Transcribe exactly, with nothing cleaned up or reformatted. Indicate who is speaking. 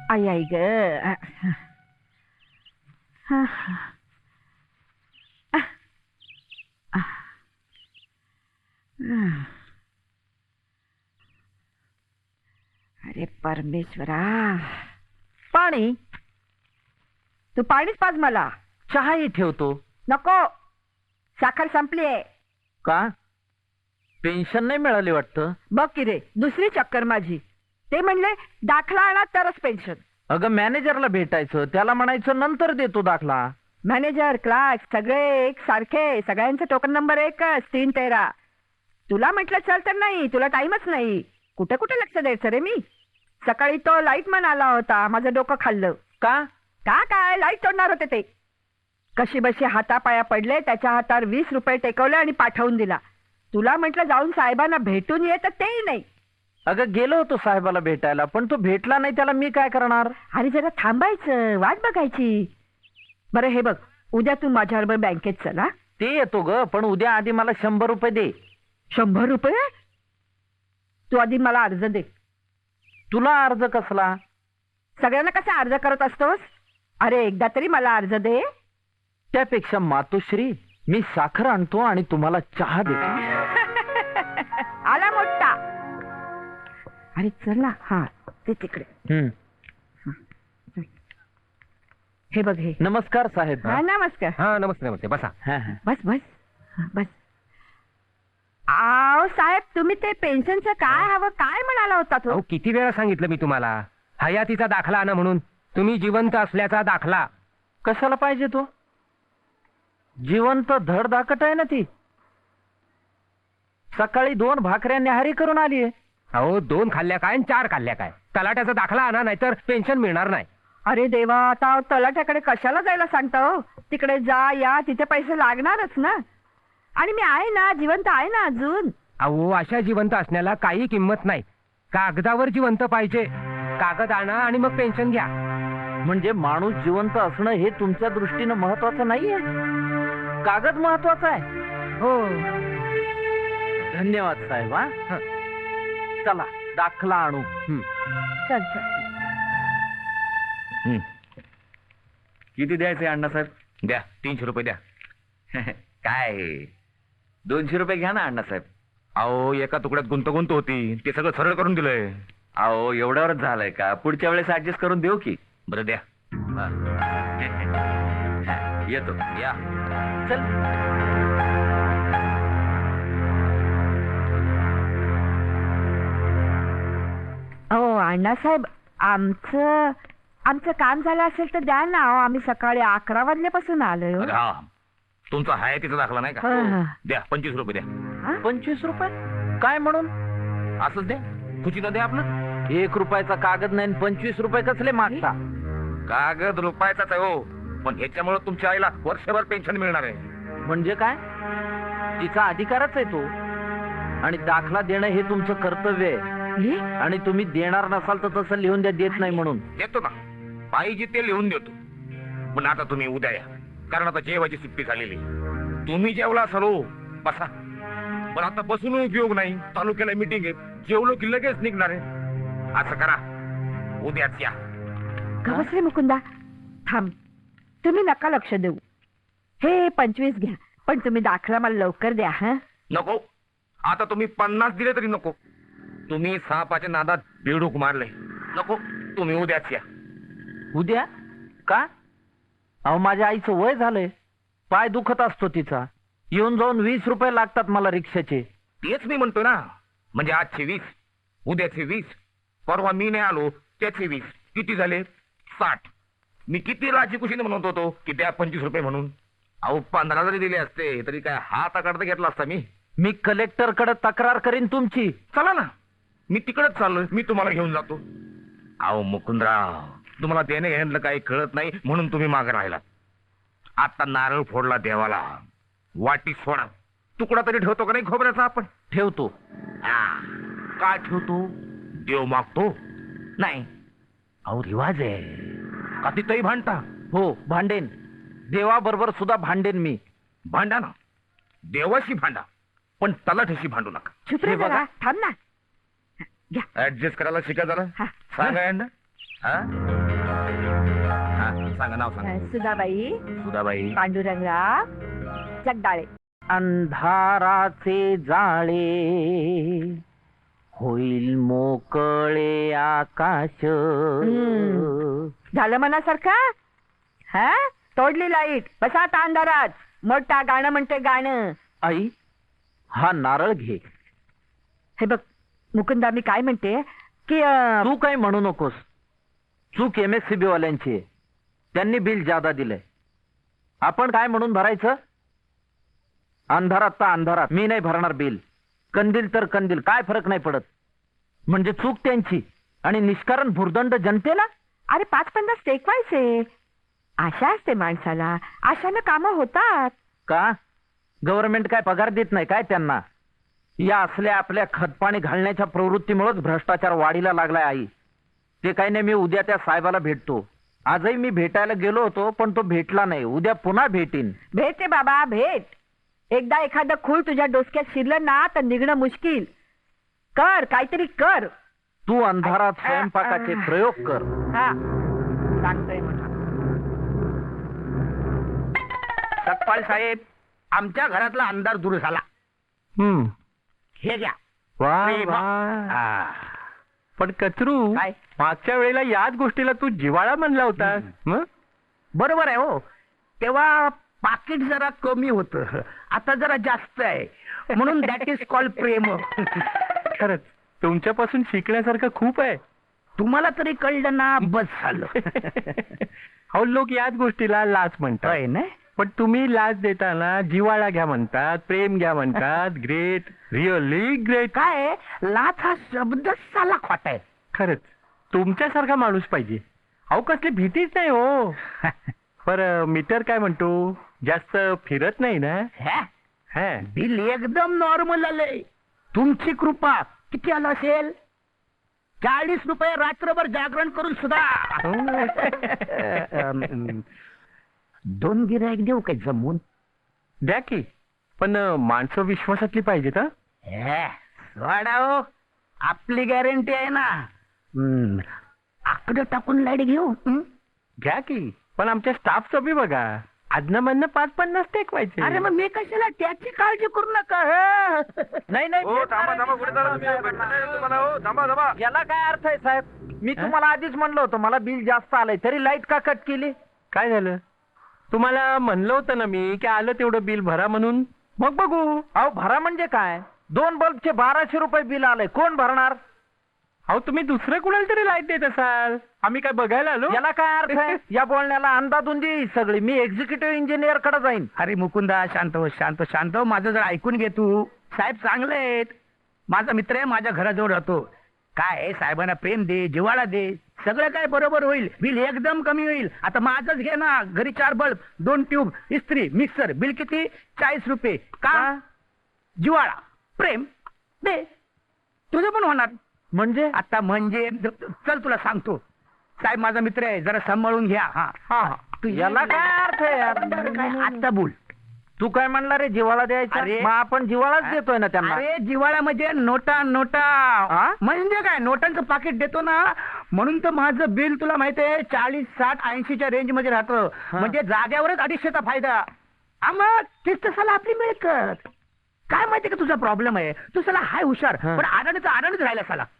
Speaker 1: आई आई ग. अरे परमेश्वरा, पाणी. तू पाणीच पाज मला.
Speaker 2: चहाही ठेवतो.
Speaker 1: नको, साखर संपलीये.
Speaker 2: का? पेन्शन नाही मिळाली वाटतं.
Speaker 1: बघ की रे, दुसरी चक्कर माझी. ते म्हणले दाखला आणा तरच पेन्शन.
Speaker 2: अगं मॅनेजरला भेटायचं, त्याला म्हणायचं नंतर देतो दाखला.
Speaker 1: मॅनेजर, क्लार्क सगळे एक सारखे, सगळ्यांचा टोकन नंबर एकच, तीन तेरा. तुला म्हटलं चल तर नाही, तुला टाइमच नाही. कुठे कुठे लक्ष द्यायचं रे मी. सकाळी तो लाईटमन आला होता, माझं डोकं खाल्लं.
Speaker 2: का?
Speaker 1: का काय, लाईट तोडणार होते ते. कशी बशी हातापाया पडले, त्याच्या हातावर वीस रुपये टेकवले आणि पाठवून दिला. तुला म्हटलं जाऊन साहेबांना भेटून ये, तर तेही नाही.
Speaker 2: अगं गेलो होतो साहेबाला भेटायला, पण तो भेटला नाही, त्याला मी काय करणार.
Speaker 1: अरे जरा थांबायचं, वाट बघायची. बरं हे बघ, उद्या तू माझ्याबरोबर बँकेत चल. हा,
Speaker 2: ते येतो ग, पण उद्या आधी मला शंभर रुपये दे.
Speaker 1: शंभर रुपये? तू आधी मला अर्ज दे.
Speaker 2: तुला अर्ज कसला?
Speaker 1: सगळ्यांना कसा अर्ज करत असतोस? अरे एकदा तरी मला अर्ज दे.
Speaker 2: त्यापेक्षा मातोश्री, मी साखर आणतो आणि तुम्हाला चहा देतो.
Speaker 1: आला मोठा. अरे चल ना. हा ते तिकडे.
Speaker 2: हम्म.
Speaker 1: हे बघ हे.
Speaker 2: नमस्कार साहेब.
Speaker 1: हा नमस्कार.
Speaker 3: हा नमस्ते नमस्ते, बसा.
Speaker 2: हा, हा.
Speaker 1: बस बस बस. आओ साहेब, तुम्ही ते पेन्शनचं काय हवं, काय म्हणाला होता तो?
Speaker 3: अहो किती वेळा सांगितलं मी तुम्हाला, हयातीचा दाखला आणा म्हणून. तुम्ही जिवंत असल्याचा दाखला.
Speaker 2: कशाला पाहिजे तो? जिवंत धडधाकट आहे ना ती. सकाळी दोन भाकऱ्या न्याहारी करून आली आहे.
Speaker 3: अहो दोन खाल्ल्या काय आणि चार खाल्ल्या काय? तलाट्याचा दाखला आणा, नाहीतर पेन्शन मिळणार नाही.
Speaker 1: अरे देवा, आता तलाठ्याकडे कशाला जायला सांगता हो? तिकडे जा या, तिथे पैसे लागणारच ना. आणि मी आहे ना, जिवंत आहे ना अजून.
Speaker 3: अहो अशा जिवंत असण्याला काही किंमत नाही. कागदावर जिवंत पाहिजे. कागद आणा आणि मग पेन्शन घ्या.
Speaker 2: म्हणजे माणूस जिवंत असणं हे तुमच्या दृष्टीनं महत्वाचं नाहीये, कागद महत्वाचा आहे.
Speaker 1: हो.
Speaker 2: धन्यवाद साहेब. हा, चला दाखला आणू.
Speaker 3: हं.
Speaker 1: चल चल.
Speaker 4: किती द्यायचे अण्णासाहेब? द्या तीनशे रुपये द्या. काय दोनशे रुपये घ्या ना अण्णासाहेब.
Speaker 3: अहो एका तुकड्यात गुंतगुंत होती, ते सगळं सरळ करून दिलंय.
Speaker 4: अहो एवढ्यावरच झालंय का? पुढच्या वेळेस ऍडजस्ट करून देऊ की.
Speaker 3: बरं द्या.
Speaker 4: येतो या.
Speaker 2: चल.
Speaker 1: हो अण्णासाहेब, आमचं आमचं काम झालं असेल तर द्या ना. अहो, आम्ही सकाळी अकरा वाजल्यापासून आलोय हो.
Speaker 3: अरे हा, तुमचा हयातीचा दाखला नाही
Speaker 1: हा, हा.
Speaker 3: का? द्या पंचवीस रुपये द्या.
Speaker 1: हा?
Speaker 2: पंचवीस रुपये काय म्हणून?
Speaker 3: असंच द्या, खुशीनं द्या आपलं.
Speaker 2: एक रुपयाचा कागद नाही आणि पंचवीस रुपये कसले मागता?
Speaker 3: कागद रुपयाचाच आहे हो, पण ह्याच्यामुळे तुमच्या आईला वर्षभर पेन्शन मिळणार आहे.
Speaker 2: म्हणजे काय? तिचा अधिकारच आहे तो, आणि दाखला देणं हे तुमचं कर्तव्य आहे.
Speaker 1: हे?
Speaker 2: आणि तुम्ही देणार नसाल तर तसं लिहून द्या, देत नाही म्हणून.
Speaker 3: देतो ना, पाहिजे ते लिहून देतो. पण आता तुम्ही उद्या या, कारण आता जेवायची सुट्टी झालेली. तुम्ही जेवला असाल हो, बसा. पण आता बसून उपयोग नाही, तालुक्याला मीटिंग आहे. जेवलो की लगेच निघणार आहे. असं करा, उद्याच या.
Speaker 1: का बस रे मुकुंदा, थांब. तुम्ही नका लक्ष देऊ. हे पंचवीस घ्या, पण तुम्ही दाखला मला लवकर द्या. हा
Speaker 3: नको, आता तुम्ही पन्नास दिले तरी नको. तुम्ही सापाच्या नादात बेडूक मारले. नको, तुम्ही उद्याच या.
Speaker 2: उद्या का? अहो माझ्या आईचं वय झालंय, पाय दुखत असतो तिचा. येऊन जाऊन वीस रुपये लागतात मला रिक्षाचे.
Speaker 3: तेच मी म्हणतो ना, म्हणजे आजचे वीस, उद्याचे वीस, परवा मी नाही आलो त्याचे वीस, किती झाले? साठ. मी किती राजी कुशीने म्हणत होतो की द्या पंचवीस रुपये म्हणून. अहो पंधरा जरी दिले असते तरी काय हात आकडता घेतला असता मी.
Speaker 2: मी कलेक्टर कडे तक्रार करीन तुमची.
Speaker 3: चला ना, मी तिकडेच चाललोय, मी तुम्हाला घेऊन जातो. अहो मुकुंदराव, तुम्हाला देणे घेण्यातलं काही कळत नाही म्हणून तुम्ही मागे राहिलात. आता नारळ फोडला देवाला, वाटी सोडा. तुकडा तरी ठेवतो का नाही खोबऱ्याचा आपण?
Speaker 2: ठेवतो.
Speaker 3: हा, काय ठेवतो? देव मागतो नाही. अहो रिवाज आहे का तिथंही भांडता?
Speaker 2: हो भांडेन, देवाबरोबर सुद्धा भांडेन मी.
Speaker 3: भांडा ना, देवाशी भांडा, पण तलाठ्याशी भांडू नका.
Speaker 1: चुप रे
Speaker 2: हे बघा.
Speaker 1: जरा, थांब ना. घ्या.
Speaker 3: ऍडजस्ट करायला शिका जरा.
Speaker 1: हा.
Speaker 3: सांगा यांना. हा? हा, सांगा नाव सांगा
Speaker 1: सुधाबाई
Speaker 3: सुधाबाई
Speaker 1: पांडुरंगराव जगदाळे.
Speaker 2: अंधाराचे जाळे होईल मोकळे आकाश.
Speaker 1: हम्म. झालं मनासारखं हा तोडली लाईट बसा आता अंधारात. मोठा गाणं म्हणते गाणं.
Speaker 2: आई हा नारळ घे.
Speaker 1: हे बघ मुकुंदा मी काय म्हणते की अं,
Speaker 2: तू काही म्हणू नकोस. चूक एम एस सी बी वाल्यांची आहे. त्यांनी बिल जादा दिलंय. आपण काय म्हणून भरायचं? अंधारात तर अंधारात मी नाही भरणार बिल. कंदील तर कंदील काय फरक नाही पडत. म्हणजे चूक त्यांची आणि निष्कारण भुर्दंड जनतेला.
Speaker 1: अरे पाच पन्नास टेकवायचे. आशा असते माणसाला. आशानं कामं होतात.
Speaker 2: का गव्हर्नमेंट काय पगार देत नाही काय त्यांना? या असल्या आपल्या खतपाणी घालण्याच्या प्रवृत्तीमुळेच भ्रष्टाचार वाढीला लागलाय आई. ते काही नाही मी उद्या त्या साहेबाला भेटतो. आजही मी भेटायला गेलो होतो पण तो भेटला नाही. उद्या पुन्हा भेटीन.
Speaker 1: भेट रे बाबा भेट. एकदा एखादं खूळ तुझ्या डोसक्यात शिरलं ना तर निघणं मुश्किल. कर काहीतरी कर.
Speaker 2: तू अंधारात स्वयंपाकाचे प्रयोग कर.
Speaker 1: हा सांगतोय मला.
Speaker 3: सतपाल साहेब आमच्या घरातला अंधार दूर झाला.
Speaker 5: हम्म
Speaker 3: हे घ्या
Speaker 5: वा
Speaker 3: प्रेम.
Speaker 5: वा.
Speaker 3: हा.
Speaker 5: पण कचरू
Speaker 3: काय?
Speaker 5: मागच्या वेळेला याच गोष्टीला तू जिवाळा म्हणला होतास. मग
Speaker 3: बरोबर आहे हो. तेव्हा पाकिट जरा कमी होतं. आता जरा जास्त आहे म्हणून दॅट इज कॉल्ड प्रेम.
Speaker 5: खरंच तुमच्यापासून शिकण्यासारखं खूप आहे.
Speaker 3: तुम्हाला तरी कळलं ना बस झालं.
Speaker 5: अहो लोक याच गोष्टीला लाच म्हणतात.
Speaker 3: होय ना.
Speaker 5: पण तुम्ही लाच देताना जिवाळा घ्या म्हणतात, प्रेम घ्या म्हणतात. Great, really great.
Speaker 3: काय लाच हा शब्दच साला खोटा आहे.
Speaker 5: खरंच तुमच्यासारखा माणूस पाहिजे. अहो कसली भीतीच नाही हो. पर मीटर काय म्हणतो? जास्त फिरत नाही ना?
Speaker 3: हॅ?
Speaker 5: हा.
Speaker 3: बिल एकदम नॉर्मल आलंय. तुमची कृपा. किती आलं असेल? चाळीस रुपये रात्रभर जागरण करून सुद्धा. दोन गिरायक देऊ काय जमून?
Speaker 5: द्या की. पण अं, माणसं विश्वासातली पाहिजेत. हं?
Speaker 3: हे, सोडा हो. आपली गॅरंटी आहे ना. हम्म. आकडं टाकून लाईट घेऊ. हं?
Speaker 5: घ्या की. पण आमच्या स्टाफचं बी बघा. आजनं म्हणणं पाच पन्नास टेकवायचे.
Speaker 3: अरे मग मी कशाला त्याची काळजी करू नका. हं?
Speaker 2: नाही नाही याला काय अर्थ आहे साहेब? मी तुम्हाला आधीच म्हणलं होतं मला बिल जास्त आलंय तरी लाईट का कट केली?
Speaker 5: काय झालं? तुम्हाला म्हणलं होतं ना मी की आलं तेवढं बिल भरा म्हणून.
Speaker 2: मग बघू. अहो भरा म्हणजे काय? दोन बल्बचे बाराशे रुपये बिल आलंय. कोण भरणार?
Speaker 5: अहो तुम्ही दुसरं कुणाला तरी लाईट देत असाल. आम्ही काय बघायला आलो?
Speaker 2: याला काय अर्थ आहे? या बोलण्याला अंदाधुंदी आहे सगळी. मी एक्झिक्युटिव्ह इंजिनियर कडे जाईन.
Speaker 3: अरे मुकुंदा शांत हो शांत हो, शांत हो. माझं जर ऐकून घे तू. साहेब चांगले आहेत. माझा मित्र आहे. माझ्या घराजवळ राहतो. काय आहे, साहेबांना प्रेम दे, जिव्हाळा दे. सगळं काय बरोबर होईल. बिल एकदम कमी होईल. आता माझंच घे ना. घरी चार बल्ब, दोन ट्यूब, इस्त्री, मिक्सर. बिल किती? चाळीस रुपये. का? जिव्हाळा, प्रेम दे. तुझं पण होणार.
Speaker 2: म्हणजे
Speaker 3: आता म्हणजे चल तुला सांगतो. साहेब माझा मित्र आहे. जरा सांभाळून घ्या. हा हा तू
Speaker 2: याला काय अर्थ आहे यार?
Speaker 3: काय आता बोल.
Speaker 2: तू काय म्हणला रे जिव्हाळा द्यायचा?
Speaker 3: अरे.
Speaker 2: मग आपण जिव्हाळाच देतोय ना त्यांना.
Speaker 3: अरे जिव्हाळा म्हणजे नोटा नोटा.
Speaker 2: हा?
Speaker 3: म्हणजे काय नोटांचं पाकिट देतो ना. म्हणून तर माझं बिल तुला माहिती आहे चाळीस साठ ऐंशीच्या रेंज मध्ये राहतं. म्हणजे जाग्यावरच अडीचशेचा फायदा. हा मग तेच तसाला आपली मिळकत. काय माहिती का तुझा प्रॉब्लेम आहे? तू साला हाय हुशार
Speaker 2: हा.
Speaker 3: पण आडाणीचा आडाणीच राहिला साला.